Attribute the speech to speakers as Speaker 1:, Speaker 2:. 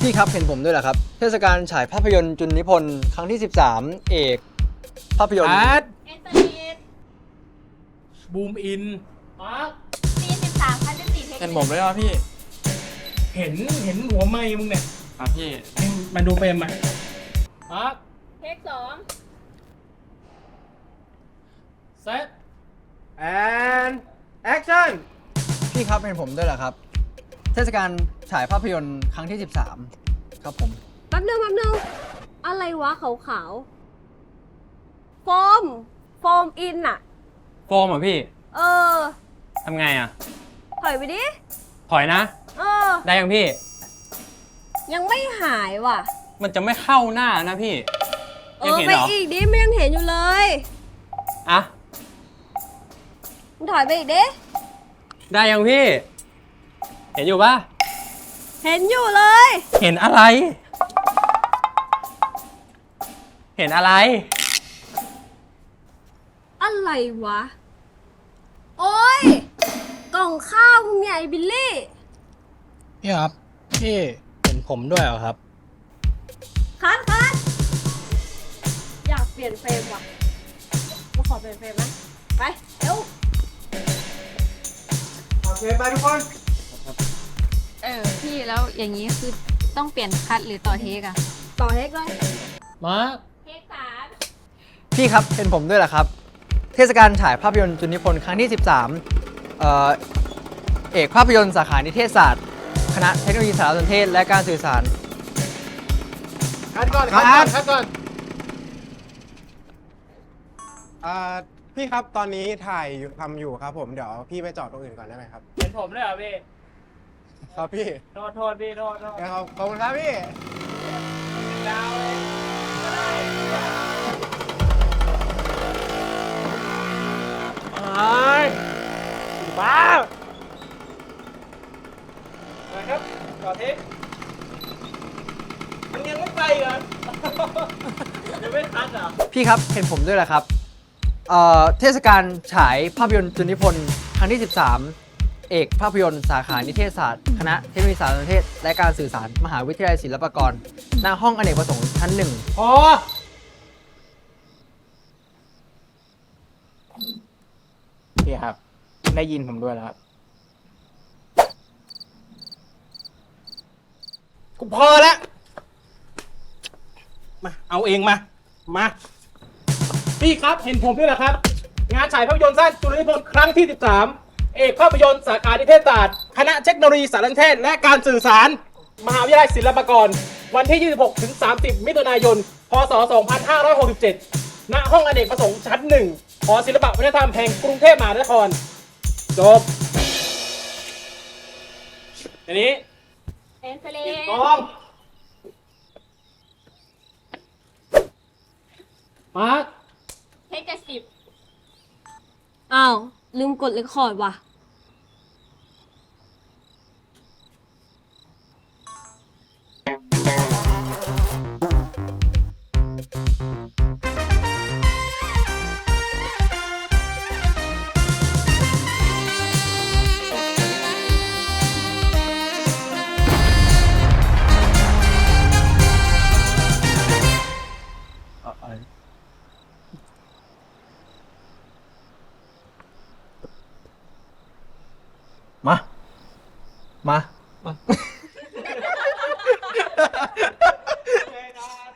Speaker 1: พี่ครับเห็นผมด้วยเหรอครับเทศกาลฉายภาพยนตร์จุลนิพนธ์ครั้งที่13เอกภาพยนตร์
Speaker 2: อาร์ต
Speaker 3: เอสเตอร์
Speaker 2: บูมอิน
Speaker 3: ปี13คันที่4เทค
Speaker 4: เห็นผมด้วยป่ะพี่
Speaker 2: เห็นหัวไม้มึงเนี่ย
Speaker 4: ครับพี่
Speaker 2: มาดูเปรมมาอาร์ต
Speaker 3: เทค2
Speaker 2: เซตแอนแอคชั่น
Speaker 1: พี่ครับเห็นผมด้วยเหรอครับเทศกาลฉายภาพยนตร์ครั้งที่13ครับผม
Speaker 5: แป๊บนึงอะไรวะขาวๆโฟมอินอะ
Speaker 4: โฟมเหรอพี่
Speaker 5: เออ
Speaker 4: ทำไงอ่ะ
Speaker 5: ถอยไปดิ
Speaker 4: ถอยนะ
Speaker 5: เออ
Speaker 4: ได้ยังพี่
Speaker 5: ยังไม่หายว่ะ
Speaker 4: มันจะไม่เข้าหน้านะพี่ ยังเห็น
Speaker 5: ไป
Speaker 4: เหรอ
Speaker 5: อีกดิไม่ยังเห็นอยู่เลย
Speaker 4: อ่ะ
Speaker 5: มึงถอยไปอีกดิ
Speaker 4: ได้ยังพี่ เห็นอยู่ปะ
Speaker 5: เห็นอยู่เลย
Speaker 4: เห็นอะไร เห็นอะไร
Speaker 5: อะไรวะ โอ้ยกล่องข้าวมึงเนี่ยไอ้บิลลี่
Speaker 1: พี่ครับพี่เห็นผมด้วยเหรอครับ
Speaker 5: คัดอยากเปลี่ยนเฟรมว่ะมาขอเปลี่ยนเฟรมนะไปเร็ว
Speaker 2: โอเคไปทุกคน
Speaker 3: พี่แล้วอย่างนี้คือต้องเปลี่ยนคัดหรือต่อเทคอะ
Speaker 5: ต่อเฮกเลย
Speaker 2: มา
Speaker 3: เทค3
Speaker 1: พี่ครับเห็นผมด้วยเหรอครับเทศกาลฉายภาพยนตร์จุลนิพนธ์ครั้งที่13เอกภาพยนตร์สาขานิเทศศาสตร์คณะเทคโนโลยีสารสนเทศและการสื่อสาร
Speaker 2: คัดก่อน
Speaker 6: พี่ครับตอนนี้ถ่ายอยู่ทำอยู่ครับผมเดี๋ยวพี่ไปจอดตรงอื่นก่อนได้ไหมครับ
Speaker 2: เห็นผมด้วยเหรอพี่
Speaker 6: ครับพี่
Speaker 2: โทษพี่โทษ
Speaker 6: ขอบคุณครับพี่
Speaker 2: ดาวเลยก็ได้ไอ้บ้านะครับต่อเทคมันยังไม่ไปเหรอ ยังไม่ทันเหรอ
Speaker 1: พี่ครับเห็นผมด้วยเหรอครับเทศกาลฉายภาพยนตร์จุลนิพนธ์ครั้งที่13เอกภาพยนตร์สาขานิเทศศาสตร์คณะเทคโนโลยีสารสนเทศและการสื่อสารมหาวิทยาลัยศิลปากรณห้องอเนกประสงค์ชั้น 1
Speaker 2: พอ
Speaker 6: พี่ครับ ได้ยินผมด้วยแล้วครับ
Speaker 2: กูพอแล้ว มาเอาเองมา พี่ครับเห็นผมด้วยเหรอครับ งานฉายภาพยนตร์สั้นจุลนิพนธ์ครั้งที่ 13 เอกภาพยนตร์สาขานิเทศศาสตร์คณะเทคโนโลยีสารสนเทศและการสื่อสาร มหาวิทยาลัยศิลปากร วันที่ 26 ถึง 30 มิถุนายน พศ 2567 ณ ห้องอเนกประสงค์ชั้น 1 หอศิลปวัฒนธรรมแห่งกรุงเทพมหานคร จบอันนี้
Speaker 3: เอสเตอร์
Speaker 2: กองมาร์ค
Speaker 3: เทค70
Speaker 5: อ้าวลืมกดเรคคอร์ดว่ะ
Speaker 1: มา